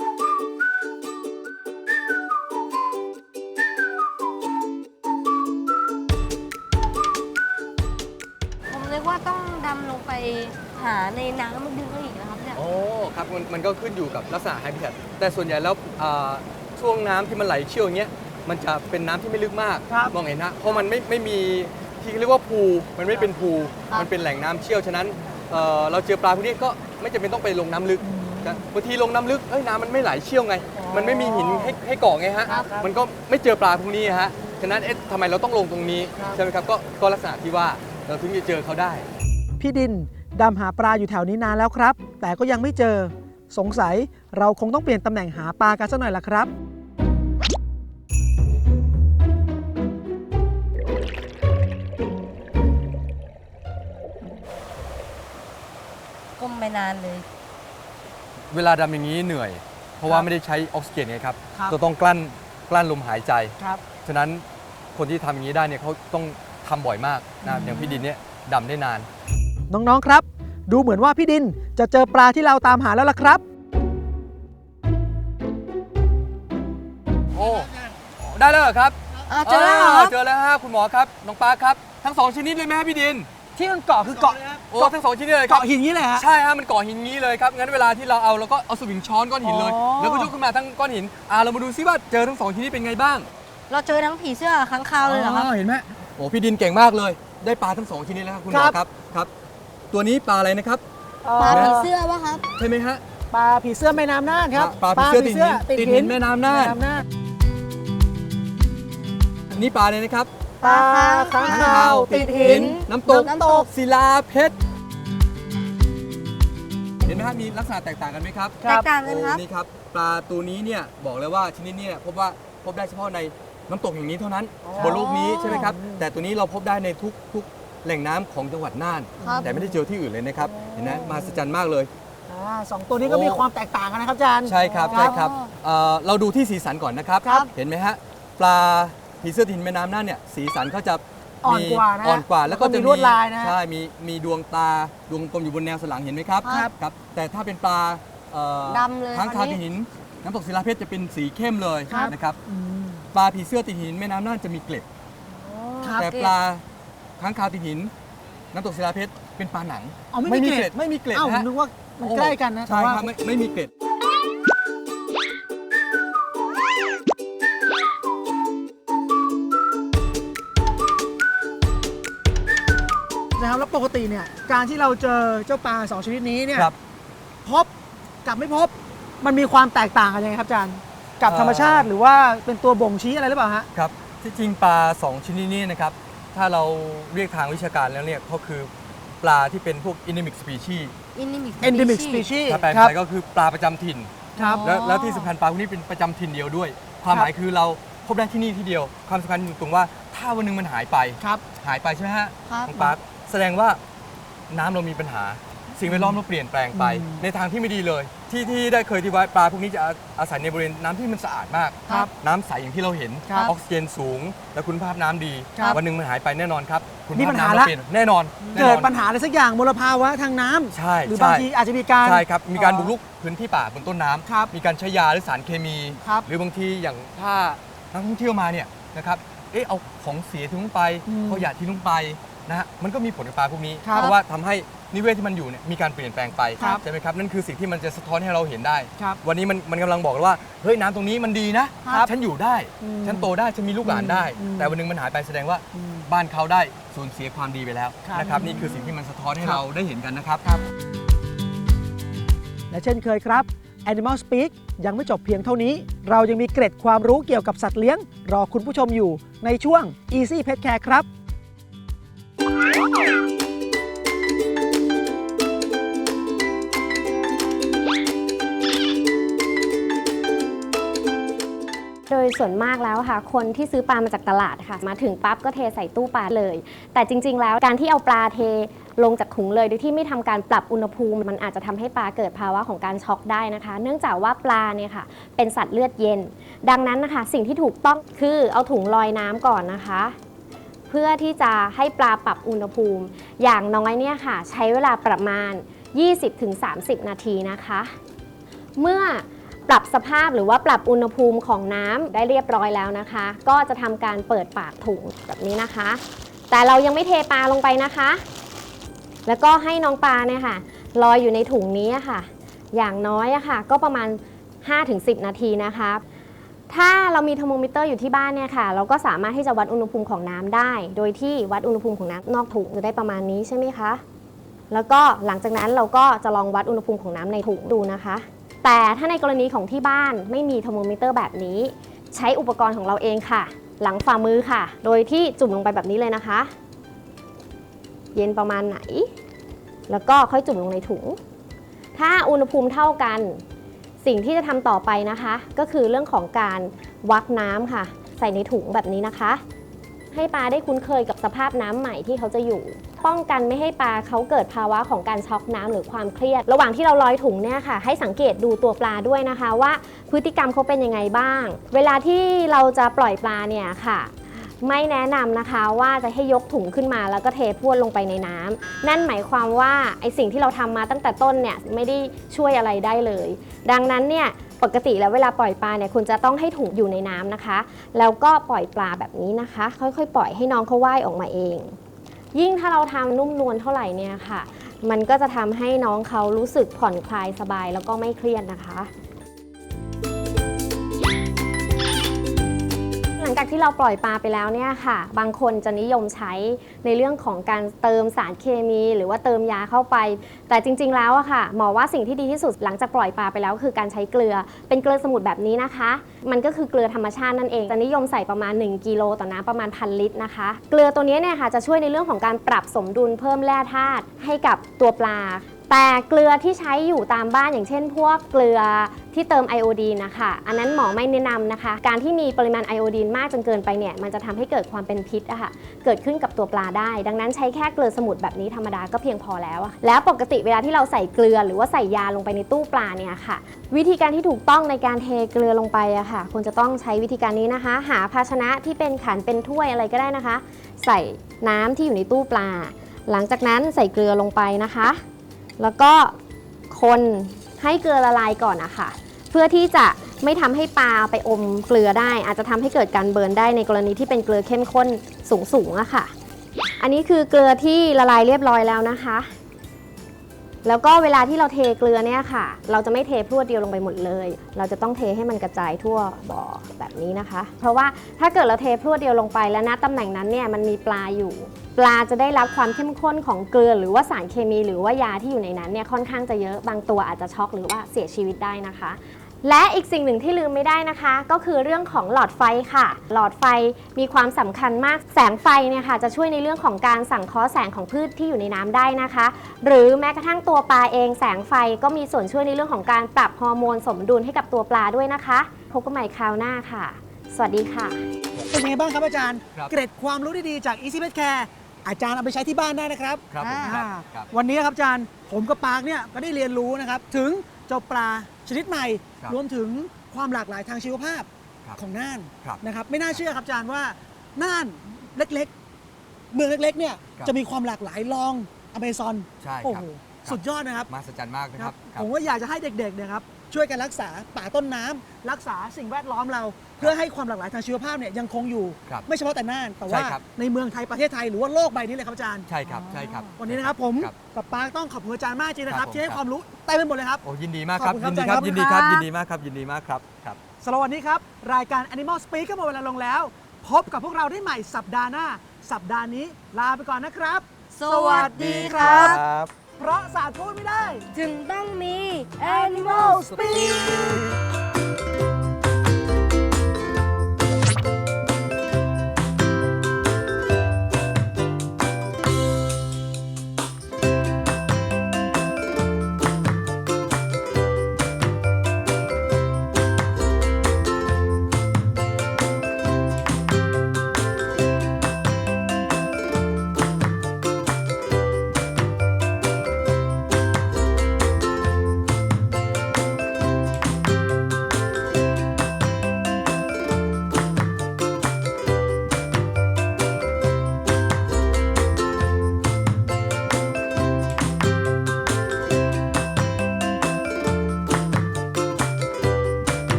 [SPEAKER 2] ผมนึกว่าต้องดำลงไปหาในน้ำมันดึงเขาอีกนะครับเนี่ย
[SPEAKER 3] โอ้ครับมันมันก็ขึ้นอยู่กับลักษณะไฮบิทัตแต่ส่วนใหญ่แล้วอ่าช่วงน้ำที่มันไหลเชี่ยวอย่างเงี้ยมันจะเป็นน้ำที่ไม่ลึกมาก
[SPEAKER 1] ครับ
[SPEAKER 3] มองเห็นฮะเพราะมันไม่ไม่มีที่เรียกว่าพูมันไม่เป็นพู
[SPEAKER 2] ครับ
[SPEAKER 3] มันเป็นแหล่งน้ำเชี่ยวฉะนั้นเอ่อเราเจอปลาพวกนี้ก็ไม่จำเป็นต้องไปลงน้ำลึกนะบางทีลงน้ำลึกเอ้ยน้ำมันไม่ไหลเชี่ยวไง มันไม่มีหินให้ให้เกาะไงฮะ
[SPEAKER 1] ครับ
[SPEAKER 3] มันก็ไม่เจอปลาพวกนี้ฮะฉะนั้นเอ๊ะทำไมเราต้องลงตรงนี้
[SPEAKER 1] ครับ
[SPEAKER 3] ใช่ไหมครับก็ก็ลักษณะที่ว่าเราถึงจะเจอเขาได้
[SPEAKER 1] พี่ดินดำหาปลาอยู่แถวนี้นานแล้วครับ แต่ก็ยังไม่เจอสงสัยเราคงต้องเปลี่ยนตำแหน่งหาปลากันสักหน่อยละครับ
[SPEAKER 2] ก้มไปนานเลย
[SPEAKER 3] เวลาดำอย่างนี้เหนื่อย เพราะว่าไม่ได้ใช้ออกซิเจนไงครับ
[SPEAKER 1] ครับ
[SPEAKER 3] จะต้องกลั้นกลั้นลมหายใจ
[SPEAKER 1] ครับ
[SPEAKER 3] ฉะนั้นคนที่ทำอย่างนี้ได้เนี่ยเขาต้องทำบ่อยมากนะครับอย่างพี่ดินเนี่ยดำได้นาน
[SPEAKER 1] น้องๆครับ ดูเหมือนว่าพี่ดินจะเจอปลาที่เราตามหาแล้วล่ะครับ
[SPEAKER 3] โอ้ได้แล้วเหรอครับ
[SPEAKER 2] อ้าวเจอแล้วเหรอ
[SPEAKER 3] เจอแล้วฮะคุณหมอครับน้องปาครับทั้งสองชนิดเลยไหมฮะพี่ดิน
[SPEAKER 1] ที่มันเกาะคือเกาะ
[SPEAKER 3] โอ้ทั้งสองชนิดเลยครับ
[SPEAKER 1] เกาะหินนี้เลยฮะ
[SPEAKER 3] ใช่ฮะมันเกาะหินงี้เลยครับงั้นเวลาที่เราเอาเราก็เอาสวิงช้อนก้อนหินเลย
[SPEAKER 1] อ๋อ
[SPEAKER 3] แล้วก็ยกขึ้นมาทั้งก้อนหินอ่าเรามาดูซิว่าเจอทั้งสองชนิดเป็นไงบ้าง
[SPEAKER 2] เราเจอทั้งผีเสื้อค้างคาวเลยเหรอครับ
[SPEAKER 3] เห็นไหมโอ้พี่ดินเก่งมากเลย ได้ปลาทั้งสองชนิดแล้วครับคุณหมอครับครับ ตัวนี้ปลาอะไรนะครับ
[SPEAKER 2] ปลาผีเสื้อวะครับ
[SPEAKER 3] ใช่ไหมฮะ
[SPEAKER 1] ปลาผีเสื้อแม่น้ำน่านครับ
[SPEAKER 3] ปลาผีเสื้อติดหินติดหินแม่น้ำน่าน
[SPEAKER 1] แม่น้ำน่าน
[SPEAKER 3] อันนี้ปลาอะไรนะครับ
[SPEAKER 1] ปลาค้างคาวติดหิน
[SPEAKER 3] น้ำตก
[SPEAKER 1] น้ำตก
[SPEAKER 3] ศิลาเพชรเห็นไหมครับมีลักษณะแตกต่างกันไหมครับ
[SPEAKER 2] แตกต่างกันครับ
[SPEAKER 3] โอ้นี่ครับปลาตัวนี้เนี่ยบอกเลยว่าชนิดเนี้พบว่าพบได้เฉพาะในน้ำตกแห่งนี้เท่านั้นบนโลกนี้ใช่ไหมครับแต่ตัวนี้เราพบได้ในทุกทุกแหล่งน้ำของจังหวัดน่าน
[SPEAKER 2] ครับ
[SPEAKER 3] แต่ไม่ได้เจอที่อื่นเลยนะครับเห็นไหมมหัศจรรย์มากเลย
[SPEAKER 1] อ่าสองตัวนี้ก็มีความแตกต่างกันนะครับอาจารย์
[SPEAKER 3] ใช่ครับใช่ครับเอ่อเราดูที่สีสันก่อนนะครับ
[SPEAKER 1] ครับ
[SPEAKER 3] เห็นไหมฮะปลาผีเสื้อถิ่นแม่น้ำน่านเนี่ยสีสันเขาจะ
[SPEAKER 1] อ่อนกว่านะ
[SPEAKER 3] อ่อนกว่าแล้วก็
[SPEAKER 1] แล้วก็
[SPEAKER 3] จะ
[SPEAKER 1] มีลวดลายนะฮะ
[SPEAKER 3] ใช่มีมีดวงตาดวงกลมอยู่บนแนวสันหลังเห็นไหมครับ
[SPEAKER 1] ครับ
[SPEAKER 3] ครับแต่ถ้าเป็นปลาเอ่อ
[SPEAKER 2] ดำเลย
[SPEAKER 3] ค้างคาว
[SPEAKER 2] อันนี้
[SPEAKER 3] ติดหินน้ำตกศิลาเพชรจะเป็นสีเข้มเลย
[SPEAKER 1] ครับ
[SPEAKER 3] นะครับ
[SPEAKER 1] อืม
[SPEAKER 3] ปลาผีเสื้อติดหินแม่น้ำน่านจะมีเกล็ด
[SPEAKER 1] ครับ
[SPEAKER 3] แต่ปลาค้างคาวติดหินน้ำตกศิลาเพชรเป็นปลาหนัง
[SPEAKER 1] อ๋อไม่มีเกล็ด
[SPEAKER 3] ไม่มีเกล็ด
[SPEAKER 1] เอ้า
[SPEAKER 3] นะฮะ
[SPEAKER 1] นึกว่ามัน
[SPEAKER 3] โอ้
[SPEAKER 1] ใกล้กันนะ
[SPEAKER 3] ใช่
[SPEAKER 1] แต่ว่า
[SPEAKER 3] ครับไม่ไม่มีเกล็ด
[SPEAKER 1] นะครับแล้วปกติเนี่ยการที่เราเจอเจ้าปลาสองชนิดนี้เนี่ย
[SPEAKER 3] ครับ
[SPEAKER 1] พบกับไม่พบมันมีความแตกต่างกันยังไงครับอาจารย์กับ
[SPEAKER 3] เอ่อ
[SPEAKER 1] ธรรมชาติหรือว่าเป็นตัวบ่งชี้อะไรหรือเปล่าฮะ
[SPEAKER 3] ครับที่จริงปลาสองชนิดนี้นะครับถ้าเราเรียกทางวิชาการแล้วเนี่ยเขาคือปลาที่เป็นพวก endemic species
[SPEAKER 2] Endemic
[SPEAKER 1] endemic
[SPEAKER 2] species
[SPEAKER 1] species
[SPEAKER 3] ถ้าแปล
[SPEAKER 1] ครับ
[SPEAKER 3] ไทยก็คือปลาประจำถิ่น
[SPEAKER 1] ครับ
[SPEAKER 2] อ๋อ
[SPEAKER 3] แล้วแล้วที่สำคัญปลาพวกนี้เป็นประจำถิ่นเดียวด้วย ความหมายคือเราพบได้ที่นี่ที่เดียว ความสำคัญอยู่ตรงว่าถ้าวันหนึงมันหายไป
[SPEAKER 1] ครับ
[SPEAKER 3] หายไปใช่ไหมฮะ
[SPEAKER 2] ครับ
[SPEAKER 3] น้องปาร์คแสดงว่าน้ำเรามีปัญหา สิ่งแวดล้อมเราเปลี่ยนแปลงไป
[SPEAKER 1] อืม
[SPEAKER 3] ในทางที่ไม่ดีเลย ที่ที่ได้เคยที่ว่าปลาพวกนี้จะอาอาศัยในบริเวณน้ำที่มันสะอาดมาก
[SPEAKER 1] ครับ
[SPEAKER 3] น้ำใสอย่างที่เราเห็น
[SPEAKER 1] ครับ
[SPEAKER 3] ออกซิเจนสูง และคุณภาพน้ำดี
[SPEAKER 1] ครับ
[SPEAKER 3] วันหนึ่งมันหายไปแน่นอนครับคุณ
[SPEAKER 1] มี
[SPEAKER 3] ภา
[SPEAKER 1] ปั
[SPEAKER 3] พ
[SPEAKER 1] ญหา
[SPEAKER 3] น้ำเรา
[SPEAKER 1] ละ
[SPEAKER 3] เปลี่ยนแน่นอนแน่น
[SPEAKER 1] เกิ
[SPEAKER 3] อ
[SPEAKER 1] ด
[SPEAKER 3] น
[SPEAKER 1] ปัญหาอะไรสักอย่างมลภาวะทางน้ำ
[SPEAKER 3] ใช่
[SPEAKER 1] หรือ
[SPEAKER 3] ใช่
[SPEAKER 1] บางทีอาจจะมีการ
[SPEAKER 3] ใช่ครับมีการ
[SPEAKER 1] เอ่อ
[SPEAKER 3] บุกรุกพื้นที่ป่าบนต้นน้ำ
[SPEAKER 1] ครับ
[SPEAKER 3] มีการใช้ยาหรือสารเคมี
[SPEAKER 1] ครับ
[SPEAKER 3] หรือบางทีอย่างถ้านักท่องเที่ยวมาเนี่ยนะครับเอ๊ะเอาของเสียทิ้งลงไป
[SPEAKER 1] อืม
[SPEAKER 3] เอาหยาทิ้งลงไปนะฮะมันก็มีผลกับปลาพวกนี้
[SPEAKER 1] ครับ
[SPEAKER 3] เพราะว่าทำให้นิเวศที่มันอยู่เนี่ยมีการเปลี่ยนแปลงไป
[SPEAKER 1] ครับ
[SPEAKER 3] ใช่ไหมครับนั่นคือสิ่งที่มันจะสะท้อนให้เราเห็นได้
[SPEAKER 1] ครับ
[SPEAKER 3] วันนี้มันมันกำลังบอกว่าเฮ้ยน้ำตรงนี้มันดีนะครับ ฉันอยู่ได้
[SPEAKER 1] อืม
[SPEAKER 3] ฉันโตได้ฉันมีลูกหลานได้
[SPEAKER 1] อืม
[SPEAKER 3] แต่วันหนึงมันหายไปแสดงว่า
[SPEAKER 1] อืม
[SPEAKER 3] บ้านเขาได้สูญเสียความดีไปแล้ว
[SPEAKER 1] ครับ
[SPEAKER 3] นะครับนี่คือสิ่งที่มันสะท้อนให้
[SPEAKER 1] ครับ
[SPEAKER 3] เราได้เห็นกันนะครับ
[SPEAKER 1] และเช่นเคยครับ Animal Speak ยังไม่จบเพียงเท่านี้ เรายังมีเกร็ดความรู้เกี่ยวกับสัตว์เลี้ยง รอคุณผู้ชมอยู่ในช่วง Easy Pet Care ครับ
[SPEAKER 4] โดยส่วนมากแล้วค่ะคนที่ซื้อปลามาจากตลาดค่ะมาถึงปั๊บก็เทใส่ตู้ปลาเลย แต่จริงๆแล้วการที่เอาปลาเทลงจากถุงเลยโดยที่ไม่ทำการปรับอุณหภูมิ มันอาจจะทำให้ปลาเกิดภาวะของการช็อกได้นะคะ เนื่องจากว่าปลาเนี่ยค่ะเป็นสัตว์เลือดเย็น ดังนั้นนะคะสิ่งที่ถูกต้องคือเอาถุงลอยน้ำก่อนนะคะ เพื่อที่จะให้ปลาปรับอุณหภูมิ อย่างน้อยเนี่ยค่ะใช้เวลาประมาณ ยี่สิบถึงสามสิบ นาทีนะคะ เมื่อปรับสภาพหรือว่าปรับอุณหภูมิของน้ำได้เรียบร้อยแล้วนะคะ ก็จะทำการเปิดปากถุงแบบนี้นะคะ แต่เรายังไม่เทปลาลงไปนะคะ แล้วก็ให้น้องปลาเนี่ยค่ะลอยอยู่ในถุงนี้ค่ะ อย่างน้อยอะค่ะก็ประมาณ ห้าถึงสิบ นาทีนะคะ ถ้าเรามีเทอร์โมมิเตอร์อยู่ที่บ้านเนี่ยค่ะเราก็สามารถที่จะวัดอุณหภูมิของน้ำได้ โดยที่วัดอุณหภูมิของน้ำนอกถุงจะได้ประมาณนี้ใช่ไหมคะแล้วก็หลังจากนั้นเราก็จะลองวัดอุณหภูมิของน้ำในถุงดูนะคะ แต่ถ้าในกรณีของที่บ้านไม่มีเทอร์โมมิเตอร์แบบนี้ ใช้อุปกรณ์ของเราเองค่ะ หลังฝ่ามือค่ะ โดยที่จุ่มลงไปแบบนี้เลยนะคะ เย็นประมาณไหนแล้วก็ค่อยจุ่มลงในถุงถ้าอุณหภูมิเท่ากันสิ่งที่จะทำต่อไปนะคะก็คือเรื่องของการวักน้ำค่ะใส่ในถุงแบบนี้นะคะให้ปลาได้คุ้นเคยกับสภาพน้ำใหม่ที่เขาจะอยู่ป้องกันไม่ให้ปลาเขาเกิดภาวะของการช็อกน้ำหรือความเครียดระหว่างที่เราลอยถุงเนี่ยค่ะให้สังเกตดูตัวปลาด้วยนะคะว่าพฤติกรรมเขาเป็นยังไงบ้างเวลาที่เราจะปล่อยปลาเนี่ยค่ะไม่แนะนำนะคะว่าจะให้ยกถุงขึ้นมาแล้วก็เทพรวดลงไปในน้ำนั่นหมายความว่าไอสิ่งที่เราทำมาตั้งแต่ต้นเนี่ยไม่ได้ช่วยอะไรได้เลยดังนั้นเนี่ยปกติแล้วเวลาปล่อยปลาเนี่ยคุณจะต้องให้ถุงอยู่ในน้ำนะคะแล้วก็ปล่อยปลาแบบนี้นะคะค่อยๆปล่อยให้น้องเขาว่ายออกมาเองยิ่งถ้าเราทำนุ่มนวลเท่าไหร่เนี่ยค่ะมันก็จะทำให้น้องเขารู้สึกผ่อนคลายสบายแล้วก็ไม่เครียดนะคะหลังจากที่เราปล่อยปลาไปแล้วเนี่ยค่ะบางคนจะนิยมใช้ในเรื่องของการเติมสารเคมีหรือว่าเติมยาเข้าไปแต่จริงๆแล้วอะค่ะหมอว่าสิ่งที่ดีที่สุดหลังจากปล่อยปลาไปแล้วคือการใช้เกลือเป็นเกลือสมุนแบบนี้นะคะมันก็คือเกลือธรรมชาตินั่นเองจะนิยมใส่ประมาณหนึ่งกิโลต่อน้ำประมาณพันลิตรนะคะเกลือตัวนี้เนี่ยค่ะจะช่วยในเรื่องของการปรับสมดุลเพิ่มแร่ธาตุให้กับตัวปลาแต่เกลือที่ใช้อยู่ตามบ้านอย่างเช่นพวกเกลือที่เติมไอโอดีนนะคะอันนั้นหมอไม่แนะนำนะคะการที่มีปริมาณไอโอดีนมากจนเกินไปเนี่ยมันจะทำให้เกิดความเป็นพิษอะค่ะเกิดขึ้นกับตัวปลาได้ดังนั้นใช้แค่เกลือสมุนแบบนี้ธรรมดาก็เพียงพอแล้วแล้วปกติเวลาที่เราใส่เกลือหรือว่าใส่ยาลงไปในตู้ปลาเนี่ยค่ะวิธีการที่ถูกต้องในการเทเกลือลงไปอะค่ะควรจะต้องใช้วิธีการนี้นะคะหาภาชนะที่เป็นขันเป็นถ้วยอะไรก็ได้นะคะใส่น้ำที่อยู่ในตู้ปลาหลังจากนั้นใส่เกลือลงไปนะคะแล้วก็คนให้เกลือละลายก่อนนะคะเพื่อที่จะไม่ทำให้ปลาไปอมเกลือได้อาจจะทำให้เกิดการเบิร์นได้ในกรณีที่เป็นเกลือเข้มข้นสูงๆอะค่ะอันนี้คือเกลือที่ละลายเรียบร้อยแล้วนะคะแล้วก็เวลาที่เราเทเกลือเนี่ยค่ะเราจะไม่เทพรวดเดียวลงไปหมดเลยเราจะต้องเทให้มันกระจายทั่วบ่อแบบนี้นะคะเพราะว่าถ้าเกิดเราเทพรวดเดียวลงไปแล้วณตำแหน่งนั้นเนี่ยมันมีปลาอยู่ปลาจะได้รับความเข้มข้นของเกลือหรือว่าสารเคมีหรือว่ายาที่อยู่ในนั้นเนี่ยค่อนข้างจะเยอะบางตัวอาจจะช็อกหรือว่าเสียชีวิตได้นะคะและอีกสิ่งหนึ่งที่ลืมไม่ได้นะคะก็คือเรื่องของหลอดไฟค่ะหลอดไฟมีความสำคัญมากแสงไฟเนี่ยค่ะจะช่วยในเรื่องของการสังเคราะห์แสงของพืชที่อยู่ในน้ำได้นะคะหรือแม้กระทั่งตัวปลาเองแสงไฟก็มีส่วนช่วยในเรื่องของการปรับฮอร์โมนสมดุลให้กับตัวปลาด้วยนะคะพบกันใหม่คราวหน้าค่ะสวัสดีค่ะ
[SPEAKER 1] เป็นยังไงบ้างครับอาจารย์
[SPEAKER 3] ครับ
[SPEAKER 1] เกร็ดความรู้ดีๆจาก Easy Pet Care อาจารย์เอาไปใช้ที่บ้านได้นะครับ
[SPEAKER 3] ครับผม
[SPEAKER 1] อ่า
[SPEAKER 3] ครับครับ
[SPEAKER 1] วันนี้ครับอาจารย์ผมกับปาร์คเนี่ยก็ได้เรียนรู้นะครับถึงเจ้าปลาชนิดใหม่
[SPEAKER 3] ครับ
[SPEAKER 1] รวมถึงความหลากหลายทางชีวภาพ
[SPEAKER 3] ครับ
[SPEAKER 1] ของน่าน
[SPEAKER 3] ครับ
[SPEAKER 1] นะครับไม่น่าเชื่อครับอาจารย์ว่าน่านเล็กๆ เมืองเล็กๆเนี่ย
[SPEAKER 3] ครับ
[SPEAKER 1] จะมีความหลากหลายลองอเมซอน
[SPEAKER 3] ใช่
[SPEAKER 1] โอ้
[SPEAKER 3] ครับ
[SPEAKER 1] โห
[SPEAKER 3] ครับ
[SPEAKER 1] สุดยอดนะครับ
[SPEAKER 3] มหัศจรรย์มากนะ
[SPEAKER 1] ค
[SPEAKER 3] ค
[SPEAKER 1] รั
[SPEAKER 3] รั
[SPEAKER 1] บบ
[SPEAKER 3] ครับ
[SPEAKER 1] ผมว่าอยากจะให้เด็กๆเนี่ยครับช่วยกันรักษาป่าต้นน้ำรักษาสิ่งแวดล้อมเรา เพื่อให้ความหลากหลายทางชีวภาพเนี่ยยังคงอยู่
[SPEAKER 3] ครับ
[SPEAKER 1] ไม่เฉพาะแต่น่านแต่
[SPEAKER 3] ใช่
[SPEAKER 1] ว่า
[SPEAKER 3] ครับ
[SPEAKER 1] ในเมืองไทยประเทศไทยหรือว่าโลกใบนี้เลยครับอาจารย์
[SPEAKER 3] ใช่ครับใช่ครับ
[SPEAKER 1] วันนี้นะครับผม
[SPEAKER 3] ครับ
[SPEAKER 1] กับปาร์คต้องขอบคุณอาจารย์มากจริงนะค
[SPEAKER 3] ครั
[SPEAKER 1] รับบ
[SPEAKER 3] ผม
[SPEAKER 1] ที่ให้
[SPEAKER 3] ครับ
[SPEAKER 1] ความรู้เต็มไปหมดเลยครับ
[SPEAKER 3] โอ้ยินดีมากครับ
[SPEAKER 1] ขอบคุณ
[SPEAKER 3] ยินดี
[SPEAKER 1] ค
[SPEAKER 3] ค
[SPEAKER 1] รั
[SPEAKER 3] รั
[SPEAKER 1] บบ
[SPEAKER 3] ยินดีครับ
[SPEAKER 1] ขอบคุณครับ
[SPEAKER 3] ยินดีมากครับยินดีมากครับครับ
[SPEAKER 1] สำหรับวันนี้ครับรายการ Animal Speak ก็หมดเวลาลงแล้ว พบกับพวกเราได้ใหม่สัปดาห์หน้า สัปดาห์นี้ลาไปก่อนนะครับ
[SPEAKER 2] สวัสดีครับ
[SPEAKER 1] เพราะศาสตร์พูดไม่ได้
[SPEAKER 2] จึงต้องมี
[SPEAKER 1] Animal Speak